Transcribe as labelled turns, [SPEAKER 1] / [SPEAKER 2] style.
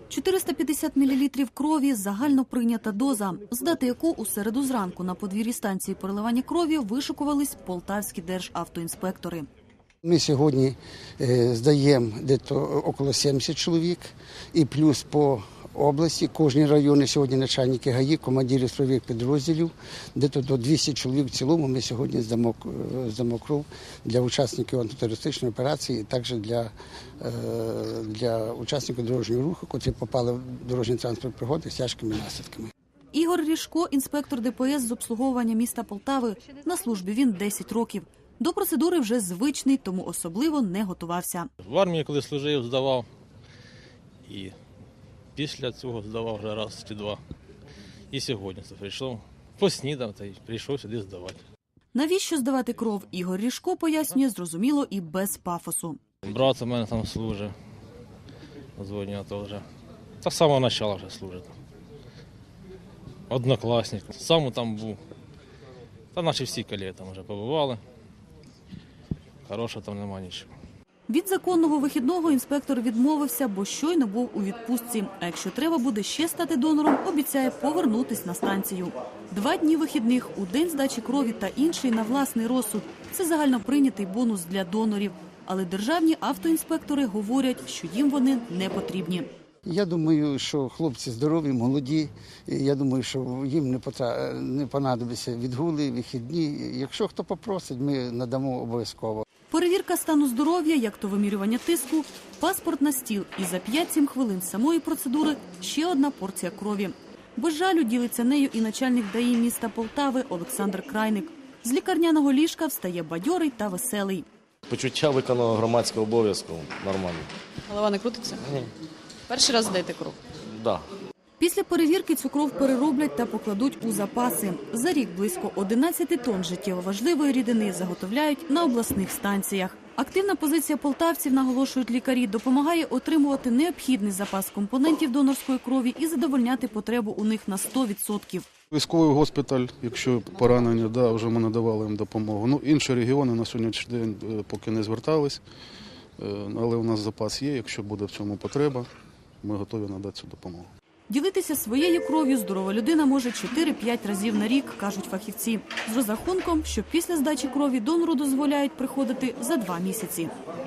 [SPEAKER 1] 450 мл крові – загально прийнята доза, здати яку у середу зранку на подвір'ї станції переливання крові вишикувались полтавські державтоінспектори.
[SPEAKER 2] Ми сьогодні здаємо десь около 70 чоловік і плюс по області, кожні райони сьогодні начальники ГАІ, командири строєвих підрозділів, десь до 200 чоловік в цілому ми сьогодні здамо кров для учасників антитерористичної операції, і також для учасників дорожнього руху, котрі попали в дорожній транспорт пригоди з тяжкими наслідками.
[SPEAKER 1] Ігор Ріжко – інспектор ДПС з обслуговування міста Полтави. На службі він 10 років. До процедури вже звичний, тому особливо не готувався.
[SPEAKER 3] В армії, коли служив, здавав. І після цього здавав вже раз чи два. І сьогодні це прийшов, поснідав та й прийшов сюди здавати.
[SPEAKER 1] Навіщо здавати кров, Ігор Ріжко пояснює зрозуміло і без пафосу.
[SPEAKER 3] Брат у мене там служить, дзвонив, то вже. Та з самого початку вже служить. Однокласник. Сам там був. Та наші всі колеги там вже побували. Хорошого там нема нічого.
[SPEAKER 1] Від законного вихідного інспектор відмовився, бо щойно був у відпустці. А якщо треба буде ще стати донором, обіцяє повернутись на станцію. 2 дні вихідних у день здачі крові та інший на власний розсуд – це загально прийнятий бонус для донорів. Але державні автоінспектори говорять, що їм вони не потрібні.
[SPEAKER 2] Я думаю, що хлопці здорові, молоді. Я думаю, що їм не понадобиться відгули, вихідні. Якщо хто попросить, ми надамо обов'язково.
[SPEAKER 1] Перевірка стану здоров'я, як то вимірювання тиску, паспорт на стіл і за 5-7 хвилин самої процедури ще одна порція крові. Без жалю ділиться нею і начальник ДАІ міста Полтави Олександр Крайник. З лікарняного ліжка встає бадьорий та веселий.
[SPEAKER 4] Почуття виконаного громадського обов'язку нормально.
[SPEAKER 5] Голова не крутиться?
[SPEAKER 4] Ні.
[SPEAKER 5] Перший раз здаєте кров?
[SPEAKER 4] Да.
[SPEAKER 1] Після перевірки цю кров перероблять та покладуть у запаси. За рік близько 11 тонн життєво важливої рідини заготовляють на обласних станціях. Активна позиція полтавців, наголошують лікарі, допомагає отримувати необхідний запас компонентів донорської крові і задовольняти потребу у них на 100%.
[SPEAKER 6] Військовий госпіталь, якщо поранення, вже ми надавали їм допомогу. Інші регіони на сьогоднішній день поки не звертались, але у нас запас є, якщо буде в цьому потреба, ми готові надати цю допомогу.
[SPEAKER 1] Ділитися своєю кров'ю здорова людина може 4-5 разів на рік, кажуть фахівці. З розрахунком, що після здачі крові донору дозволяють приходити за 2 місяці.